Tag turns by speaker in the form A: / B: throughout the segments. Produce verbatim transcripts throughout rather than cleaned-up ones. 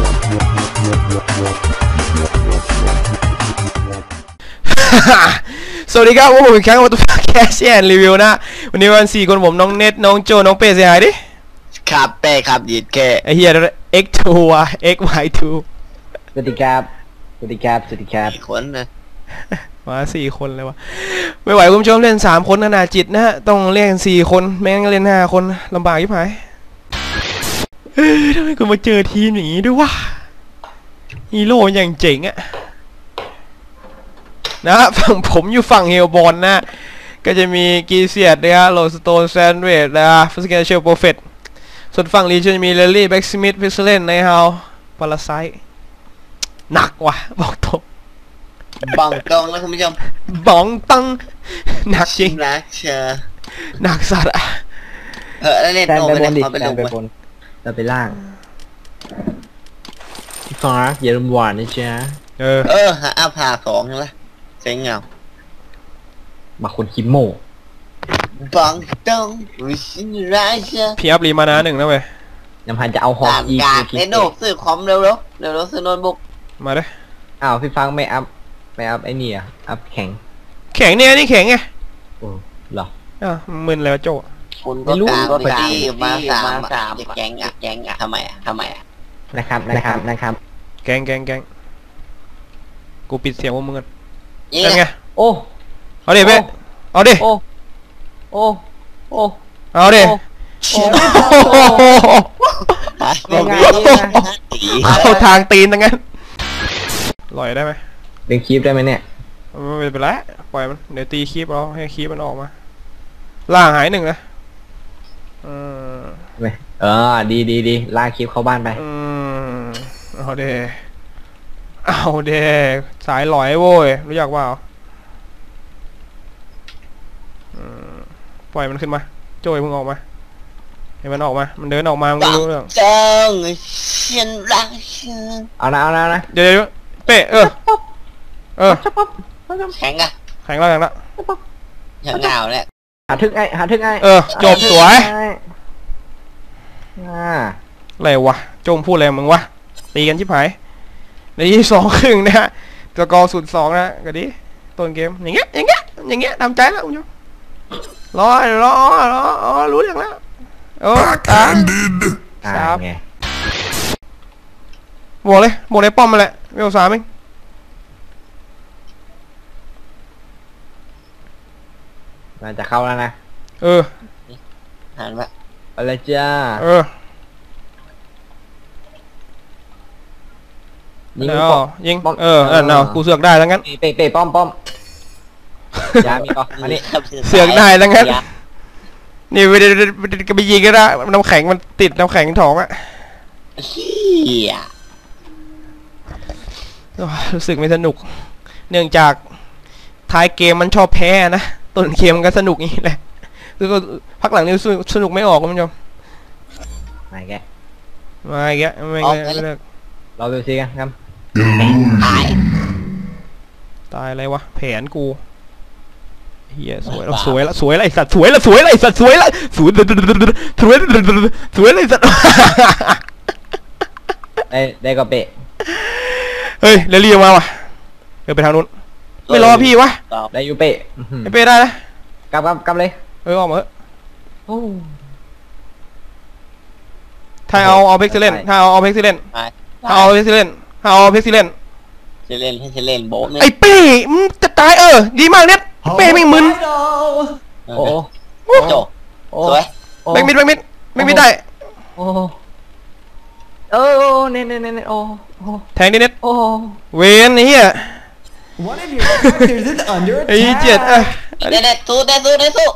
A: สวัสดีครับผมอีกครั้งกับตัวแคสแอนรีวิวนะวันนี้วันสี่คนผมน้องเน็ตน้องโจน้องเป้เสียหายดิ
B: ครับเป้ครับยีดแค่
A: ไอเฮีย เอ็กซ์ ทู ว่ะ เอ็กซ์ วาย ทู
C: สวัสดีครับสวัสดีครับสวัสดีครับ
B: คนนะ
A: มาสี่คนเลยวะไม่ไหวคุณผู้ชมเล่นสามคนขนาดจิตนะฮะต้องเล่นสี่คนแม่งเล่นห้าคนลำบากยิ่งหายเฮ้ยทำไมกูมาเจอทีมอย่างนี้ด้วยวะฮีโร่อย่างเจ๋งอะนะฝั่งผมอยู่ฝั่งเฮลบอลนะก็จะมีกีเซียดนะฮะโรสโตนแซนเวดนะฟิสเกนเชลโปรเฟตส่วนฝั่งลีจะมีเลลี่แบ็กสมิธพิสเลนในเฮาปาราไซหนักว่ะบอกตรง
B: บังตรงนะคุณผู้ชม
A: บ้องตังหนักจริง
B: นะเชอ
A: หนักสัตว์อะ
B: เออแล้วเล่นโนไปเลยเขาไปลงไป
C: เราไปล่างพี่ฟ้าอย่าลืมหวานนะจ๊ะ
A: เออ
B: เออหาอาผ่าสองใช่ไหมเจ๋งเงา
C: มาคนคิมโม
B: บังตรงวิชินราชา
A: พี่อัพรีมานะหนึ่งนะเว้ย
C: ยังพันจะเอาฮอ
B: อีกเล่นโนซื้อคอมเร็วเร็วเร็วเร็วซื้อโน้ตบุ๊ก
A: มาได้
C: อ้าวพี่ฟังไม่อัพไม่อัพไอ้นี่อ่ะอัพแข็ง
A: แข็งเนี่ยนี่แข็งไง
C: โอ้เหรอ
A: อ่ะมึนแล้วโจ
B: คุณก็ตามพอดีมาสามสามแกงอ่ะแกงอ่ะทำไมอ่ะทำไมอ่ะ
C: นะครับนะครับนะครับ
A: แกงแกงแกงกูปิดเสียงว่ามึงกันยังไง
C: โอ้
A: เอาดิเป้เอาดิ
C: โอ้โอ้โอ้
A: เอาดิเข้าทางตีนตั้งงั้นลอยได้ไหม
C: ดึงคีบได้ไหมเนี่ย
A: ไม่เป็นไรปล่อยมันเดี๋ยวตีคีบเอาให้คีบมันออกมาล่างหายหนึ่งนะเออ
C: เออดีดีดีลากคีบเข้าบ้านไป
A: อืมเอาเดเอาเดสายลอยโว้ยรู้จักว่าปล่อยมันขึ้นมาโจ้ยมึงออกมาให้มันออกมามันเดินออกมามึงรู้เรื่อง
B: จังเชียนรักเชียน
C: เอานะเอานะนะ
A: เดี๋ยวเดี๋ยวเป๊ะเออเออ
B: แข็งอะ
A: แข็งแล้วแข็งแล้ว
B: อย่างเงาเนี่ย
C: หาทึกไงหาทึกไง
A: เออจบสวย
C: อ่า
A: อะไรวะโจมพูดอะไรมึงวะตีกันชิบหายในที่สองครึ่งนะฮะตัวกอสุดสองนะก็ดีต้นเกมอย่างเงี้ยอย่างเงี้ยอย่างเงี้ยทำใจแล้วคุณผู้ชมรอรอรออ๋อรู้อย่างแล้วโอ้ตาครับบวกเลยบวกในป้อมมาแหละเวลสามเอง
C: มันจะเข้าแล้วนะ
A: เออ
B: หันมา
C: อะไรจ้า
A: เออยิงยิงเออเออเนาะกูเสือกได้แล้วงั้น
C: เปะเปะป้อมป้อมยามีป่ะอันนี้
A: เสือกได้แล้วงั้นนี่ไปไปยิงก็ได้น้ำแข็งมันติดน้ำแข็งท้องอะรู้สึกไม่สนุกเนื่องจากท้ายเกมมันชอบแพ้นะต้นเกมมันก็สนุกนี่แหละคือก็พักหลังนี้สนุกไม่ออกคุณผู้ชม
C: ไม่แก
A: ไม่แกไม่เลิก
C: เราดูสิกันครับ
B: ตาย
A: ตายอะไรวะแผนกูเฮียสวยแล้วสวยแล้วสวยแล้วไอสัตว์สวยแล้วสวยแล้วไอสัตว์สวยแล้วสวยสวยสวยเลยสัตว์
C: ได้ได้ก็เปะ
A: เฮ้ยเรลี่มาว่ะเดี๋ยวไปทางนู้นไม่รอพี่วะ
C: ได้ยูเปะ
A: ไอเป้ได้นะ
C: กลับกลับกลับเลย
A: เออออกมาเถอะถ้าเอาเอาเพ็กซิเลนถ้าเอาเอาเพ็กซิเลนถ้าเอาเพ็กซิเลนถ้าเอาเพ็กซิเลน
B: จะเล่นให้จะเล่นโบ๊ะ
A: ไอเป้มึงจะตายเออดีมากเนี่ยเป้ไม่มึน
C: โอ้
B: โจสวย
A: แบงมิดแบงมิดแบงมิดได้
C: โอ้เออเน็ตเน็ตเน็ตโอ้
A: แทงดิเน็ตเวนนี่อ่ะไอ้เจ็ดอ่ะ
B: เน็ตเน็ตสู้เน็ตสู้เน็ตสู้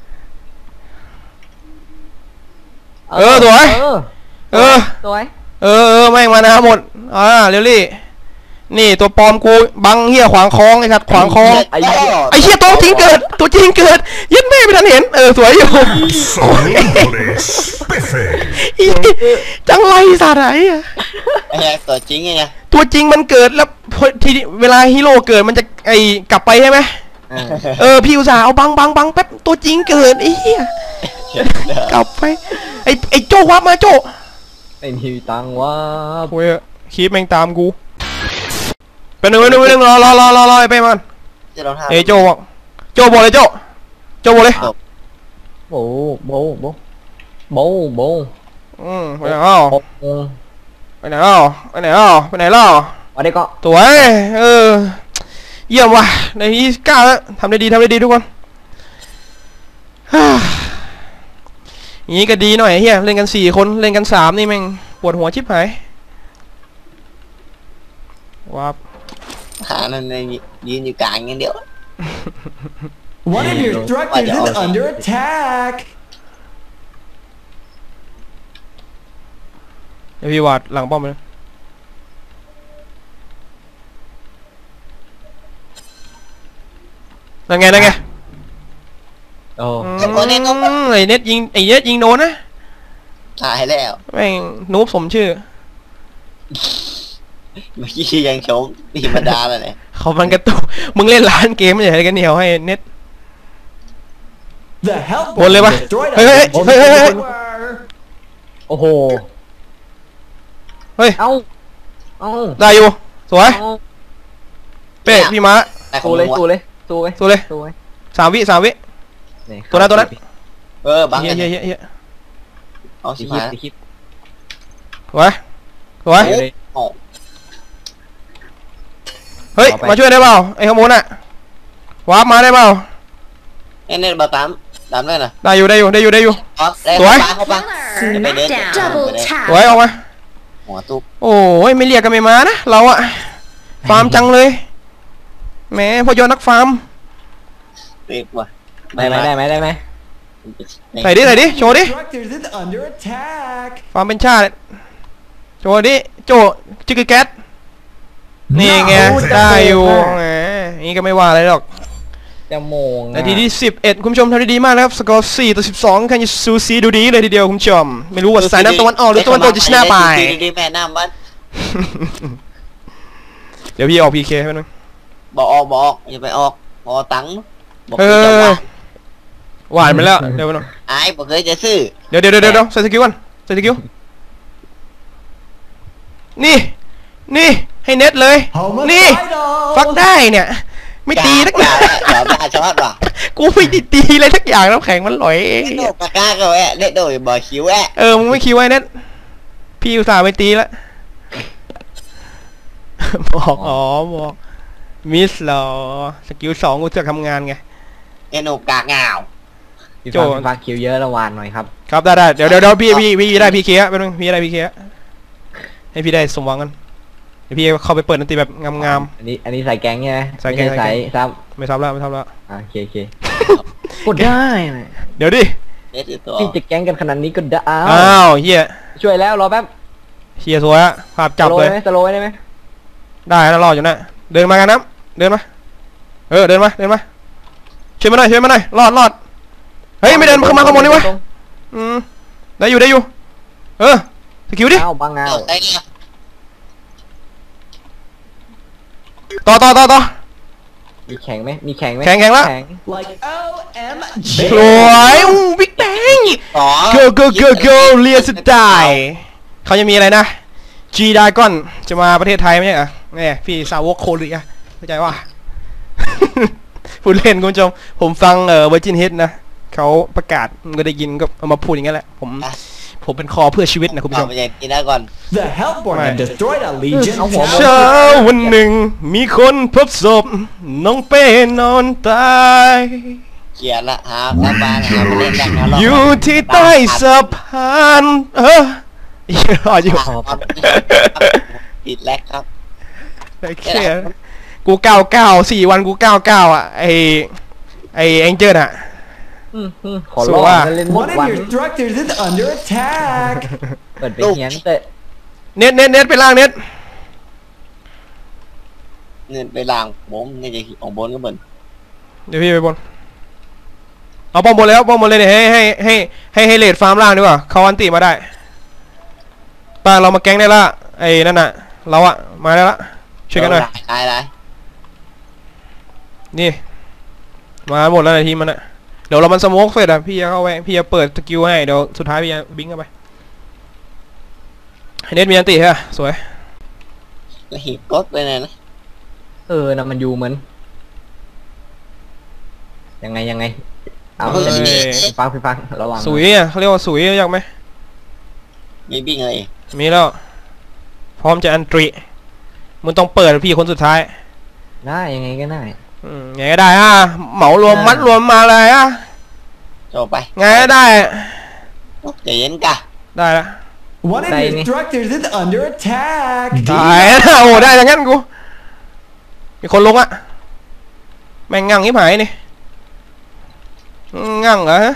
A: เออสวยเออ
C: สวย
A: เออเออแม่งมานะหมดอ่าเรลลี่นี่ตัวปลอมกูบังเหี้ยขวางคลองไอ้สัตว์ขวางคลองไอ้เหี้ยตัวจริงเกิดตัวจริงเกิดยัดแม่ไม่ทันเห็นเออสวยอยู่จังไรสัตว์ไหนอะ
B: ไอ้ตัวจริงไง
A: ตัวจริงมันเกิดแล้วทีเวลาฮีโร่เกิดมันจะไอ้กลับไปใช่ไหมเออพี่อุตส่าห์เอาบังบังบังแป๊บตัวจริงเกิดไอ้เหี้ยกลับไปไอ้ไอ้โจ้วับมาโจ้
C: ไอ้นี่ตังว่า
A: โว้ยคีปแม่งตามกูเป็นหนึ่งเป็นหนึ่งเป็นหนึ่งรอรอรอรอรอไปมัน
B: จะลองทำ
A: เอ้ยโจบอกโจบอกเลยโจโจบอกเลย
C: โบโบโบโบโบ
A: อืมไปไหนอ้าว
C: โบ
A: ไปไหนอ้าวไปไหนอ้าวไปไหนล่ะ
C: วันนี้ก็
A: สวยเออเยี่ยมว่ะในที่กล้าแล้วทำได้ดีทำได้ดีทุกคนอย่างนี้ก็ดีหน่อยเฮียเล่นกันสี่คนเล่นกันสามนี่แม่งปวดหัวชิบหายว้าบ
B: หานั่นในยืนอยู่กลางอย่างเดียว
D: One of your structures is under attack.
A: เดี๋ยวพี่วาดหลังป้อมเลยนั่นไงนั่นไง
C: โอ้
A: อืมไอเน็ตยิงไอเน็ตยิงโดนนะ
B: หายแล้ว
A: แม่งนูบสมชื่อ
B: เมื่อกี้ยังชมธรรมดาเลยเนี่ย
A: เขามันกระตุกมึงเล่นร้านเกมไม่ใช่กันเหนียวให้เน็ต
D: The health
A: Ủa, lên
D: bomb
A: ba.
D: destroyed
A: Ê,
D: a
A: ê, ê,
D: Legion
A: ê, ê, ê.
D: tower.
C: โอ้โห
A: เฮ้ย
C: เอ้าเอ้า
A: ได้อยู่สวย
C: เอ้า
A: เป้พี่ม้า
B: แต่ขอ
C: สู้
B: ง
C: เลย
B: มึง
C: สู้
B: วะ
C: เลยสู้เลย
A: สู้เลย
C: สู้เลย
A: สามวิสามวิ ตัวนั้นตัวนั้น
B: เออบัง
A: เฮีย
B: กัน
A: เฮียเฮียเฮีย
B: เอา
C: สี
B: สิ
C: คิด
B: มา
C: สีคิด
A: สวยสวย
C: เดี๋ยวเลย
B: โอ้
A: เฮ้ย
C: เอาไป
A: มาช่วยได้เปล่าไอ้ขโมยน่ะวาร์ปมาได้เปล่า
B: เอ็นเน็ตบาตามตามได้น่ะ
A: ได้อยู่ได้อยู่ได้อยู่ได้อยู่
B: ออฟได้
A: สวย
B: เข้าปะเข้าปะ
E: Killer. Double
A: สวย
E: tap.
A: ออกมา
B: หัวตุ๊บ
A: โอ้ยไม่เรียกกันไม่มานะเราอะฟาร์มจังเลยแหมพอยอนักฟาร์ม
B: เรียกว่า
C: ได้ไหมได้ไหมได้ไหม
A: ใส่ดิใส่ดิโชว์ดิ
D: Structures is under attack.
A: ฟาร์มเป็นชาติโชว์ดิโจจิกกี้แก๊สนี่ไงได้อยู่แหมนี่ก็ไม่ว่าอะไรหรอก
C: จะโมง
A: นาทีที่สิบเอ็ดคุณผู้ชมทำได้ดีมากนะครับสกอร์สี่ต่อสิบสองคันยูซูซีดูดีเลยทีเดียวคุณผู้ชมไม่รู้ว่าสายน้ำตะวันออกหรือตะวันตกจะชนะไป
B: ดีๆแม่น้ำบ้าน
A: เดี๋ยวพี่ออกพีเคให้นึง
B: บอกออกบอกออกอย่าไปออกบอตังค์บอก
A: เอ
B: คือจะ
A: อ
B: ว่า
A: หวานไปแล้วเดี๋ยวไปหน่อย
B: ไอ้บอกเคยจะซื้อ
A: เดี๋ยวเดี๋ยวเดี๋ยวเดี๋ยวใส่สกิลก่อนใส่สกิลนี่นี่ให้เน็ตเลย นี่
D: Homicidal.
A: ฟักได้เนี่ยไม่ตีนักห
B: ห
A: นา
B: นาเดี๋ยวบ้าช็อตว่ะ
A: กูไม่ได้ตีอะไรทักอย่างน้ำแข็งมันหลอยเอง
B: เล่นโดดปากกาก็แอะเล่นโดดบ่อยคิ้วแอะ
A: เออมึงไม่คิดไว้เน็ตพี่อุตส่าห์ไปตีแล้ว บอกอ๋อบอกมิสเหรอสกิลสองกูจะทำงานไง
B: เอ็นโอกากงาว
C: พี่
A: โจ
C: ฟังพี่ฟังคิวเยอะระวานหน่อยครับ
A: ครับได้ได้เดี๋ยวเดี๋ยวเดี๋ยวพี่พี่พี่ได้พีเคอะไปนึงพี่ได้พีเคอะให้พี่ได้สมหวังกันเดี๋ยวพี่เข้าไปเปิดดนตรีแบบงาม
C: อันนี้อันนี้ใส่แก๊งใช่ไหม
A: ใส่แก๊ง
C: ไม่ใส่
A: ใส่แก๊ง
C: ซับ
A: ๆไม่ทับแล้วไม่ทับแล้ว
C: อ่าโอเคโอเคกดได้นะ
A: เดี๋ยวดิ
B: เล่นตัว
C: พี่จะแก๊งกันขนาดนี้ก็ได้อ้า
A: อ้าว วเฮีย
C: ช่วยแล้วรอแป๊บ
A: เฮียสวยอะภาพจับเลย
C: สโลว์ได้ไหม
A: ได้แล้วรออยู่นะเดินมากันน้ำเดินมาเออเดินมาเดินมาช่วยมาหน่อยช่วยมาหน่อยรอดรอดเฮ้ยไม่เดินเข้ามาขโมยนี่วะอืมได้อยู่ได้อยู่เออสกิลดิ
C: อ้าวบางงา
B: เอาได้เนี่ย
A: ต่อต่อต่อต่อ
C: มีแข็งไหมมีแข็งไหม
A: แข็งแข็งละ
D: Like O M G.
A: สวยอู้บิ๊กแบง
B: ต่อ
A: go go go go เรียนสไตล์เขาจะมีอะไรนะ G Dragon จะมาประเทศไทยไหมเนี่ยเนี่ยพี่สาวกโคเรียเข้าใจว่า พูดเล่นคุณผู้ชมผมฟังเอ่อ Virgin Hit นะเขาประกาศก็ได้ยินก็เอามาพูดอย่างนั้นแหละผมผมเป็นคอเพื่อชีวิตนะคุณผู้ช
B: เอา
A: ม
B: ไปยังกินได้ก่อน
D: The Hellborn
A: Right.
D: have destroyed a Legion
C: Áo hổ
D: tower.
A: เช้าวันหนึ่งมีคนพบศพน้องเป้นอนตาย
B: เขียนละหาแล้วบ้านหาไปเล่นกันนะ
A: อยู่ที่ใต้สะพานเออยังรออยู่
B: ติดแลกครับ
A: ไอ้เขี้ยกูเก้าเก้าสี่วันกูเก้าเก้าอ่ะไอไอแองเจิลอ่ะ
C: อืมอืมขอ
A: สู้
C: ร้อง
A: ว่า
C: นะเล่นทุ
D: One
C: ก
D: of
C: วัน
D: your structures is under attack.
C: เปิดไปเฮียนแต่
A: เน็ตเน็ตเน็ตไปล่างเน็ต
B: เงินไปล่างผมนี่จะของบนก็เหมือน
A: เดี๋ยวพี่ไปบนเอาป้อมบนแล้วป้อมบนเลยเนี่ยให้ให้ให้ให้ให้เลดฟาร์มล่างดีกว่าเขาอันติมาได้ป้าเรามาแก๊งได้ละไอ้นั่นน่ะเราอะมาได้ละช่วยกันหน่อย
B: ได้ได้
A: นี่มาหมดแล้วในทีมมันอะเดี๋ยวเรามันสโมกเสร็จอะพี่จะเข้าไปพี่จะเปิดสกิลให้เดี๋ยวสุดท้ายพี่จะบิงเข้าไปให้เน็ตมีอันติฮะสวย
B: หีบกดไปเลยนะ
C: เออนะมันอยู่เหมือนยังไงยังไงเอา
A: เฮ้ย
C: จะดีพี่ฟังพี่ฟังระวัง
A: สุยอ่ะเขาเรียกว่าสุยรู้จักไหม
B: มีบิ้งเลย
A: มีแล้ว พร้อมจะอันตรีมึงต้องเปิดพี่คนสุดท้าย
C: ได้ยังไงก็ได้
A: อืมไงก็ได้อ่ะเหมารวมมัดรวมมาเลยอ่ะ
B: โจไป
A: ไงก็ได้
B: ใจเย็นกะ
A: ได้ละ
D: One of your structures is under attack.
A: ตายแล้วโอ้ได้อย่างงั้นกูมีคนลงอ่ะแม่งงั่งที่หายนี่งั่งเหรอฮะ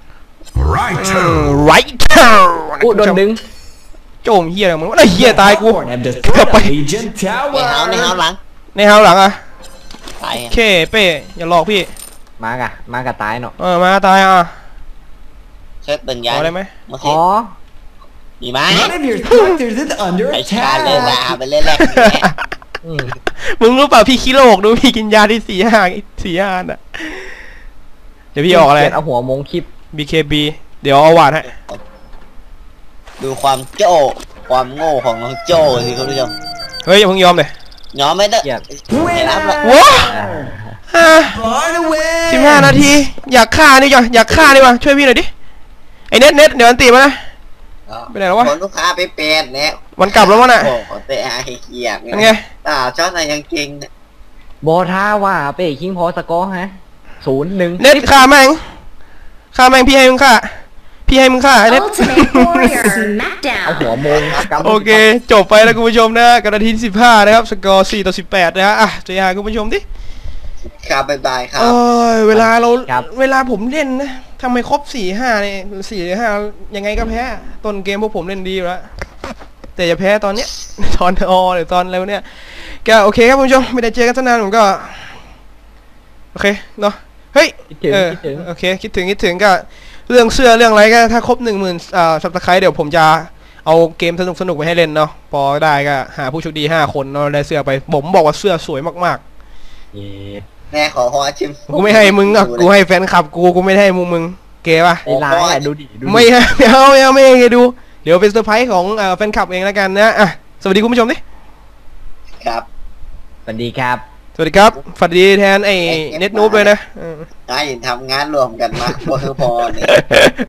E: Right.
A: ไรเท่า
C: อู้โดนดึง
A: โจมเฮียอะไรมึงวะไอ้เฮียตายกู
D: Hellborn have destroyed a Legion
B: ในเฮาในเฮา
D: Tower.
B: หลัง
A: ในเฮาหลังอ่ะ
B: ตาย
A: เคเป้อย่าหลอกพี่
C: มากะมากะตายเนาะ
A: เออมาตายอ่ะ
B: เช็ดตึงยา
A: เอาได้ไหม
B: เมื่อ
C: อ๋
B: กี้
C: อ
B: มีไหม
D: One of your structures is under
B: ไอ้ชาเลยลา
D: attack.
B: ไปเล่นแรก
C: อืม
A: มึงรู้เปล่าพี่คิโลกดูพี่กินยาที่สี่ห้าสี่ห้าอ่ะเดี๋ยวพี่ออกอะไร
C: เปลี่ยนเอาหัวมงคลิป
A: บี เค บี เดี๋ยวเอาหวานให้
B: ดูความโจ้ความโง่ของน้องโจ้สิคุณผู้ชม
A: เฮ้ยอย่าเพิ่งยอมเลย
B: ยอมไม่ได้
C: เกลียด
B: อย่ารับละ
A: ว้า
C: อ่า
A: อ่า
D: Far away.
A: สิบห้านาที อยากฆ่านี่จ้ะอยากฆ่านี่วะช่วยพี่หน่อยดิ ไอ้เน็ตเน็ตเดี๋ยวอันตีมานะ ไปไหนแล้ววะ
B: คนลูกค้าไปเปลี่ยนเนี่ย
A: วันกลับแล้วมั้งน่ะ
B: โอ้โหเตะไอ้เกียร์
A: เป็นไง
B: ตาช็อตอะไรยังเก่งเนี่ย
C: โบท่าว่าเป้คิงพอสกอร์ฮะศูนย์หนึ่ง
A: เน็ตฆ่าแม่งฆ่าแม่งพี่ให้มึงฆ่า พี่ให้มึงฆ่าไอ้เน็ต
F: Ultimate Warrior
C: เอา
F: Smackdown.
C: หัวมงกำ
A: โอเค จบไปแล้วคุณผู้ชมนะกันนาทีสิบห้านะครับ สกอร์สี่ต่อสิบแปดนะฮะอ่ะจะหาคุณผู้ชมดิ
B: ครับบ๊ายบายครับ
A: เอ้ยเวลาเราเวลาผมเล่นนะทำไมครบสี่ห้าเนี่ยสี่ห้ายังไงก็แพ้ต้นเกมพวกผมเล่นดีอยู่แล้วแต่จะแพ้ตอนเนี้ย ตอนอหรือตอนอะไรวะเนี่ยก็โอเคครับคุณผู้ชมไม่ได้เจอกันตั้งนานผมก็โอเคเนาะเฮ้ย
C: คิดถึง
A: เออ
C: คิดถึง
A: โอเคคิดถึงคิดถึงก็เรื่องเสื้อเรื่องอะไรก็ถ้าครบหนึ่งหมื่นอ่าสับตะไคร้เดี๋ยวผมจะเอาเกมสนุกสนุกๆไปให้เล่นเนาะพอได้ก็หาผู้โชคดีห้าคนเนาะได้เสื้อไปผมบอกว่าเสื้อสวยมากๆ
C: เย้
B: แม่ขอขอชิม
A: กูไม่ให้มึงอ่ะกูให้แฟนคลับกูกูไม่ได้ให้มึงมึงเก๋ป่ะ
C: ไอ้ร้ายอ่ะดูดิดูดิ
A: ไม่ให้ไม่เอาไม่เอาไม่ให้ดูเดี๋ยวเป็นเซอร์ไพรส์ของเอ่อแฟนคลับเองแล้วกันนะอ่ะสวัสดีคุณผู้ชมดิ
B: ครับ
C: สวัสดีครับ
A: สวัสดีครับสวัสดีแทนไอ้เน็ตนูบเลยนะ
B: ได้ทำงานรวมกันมาพอคือพอเนี่ย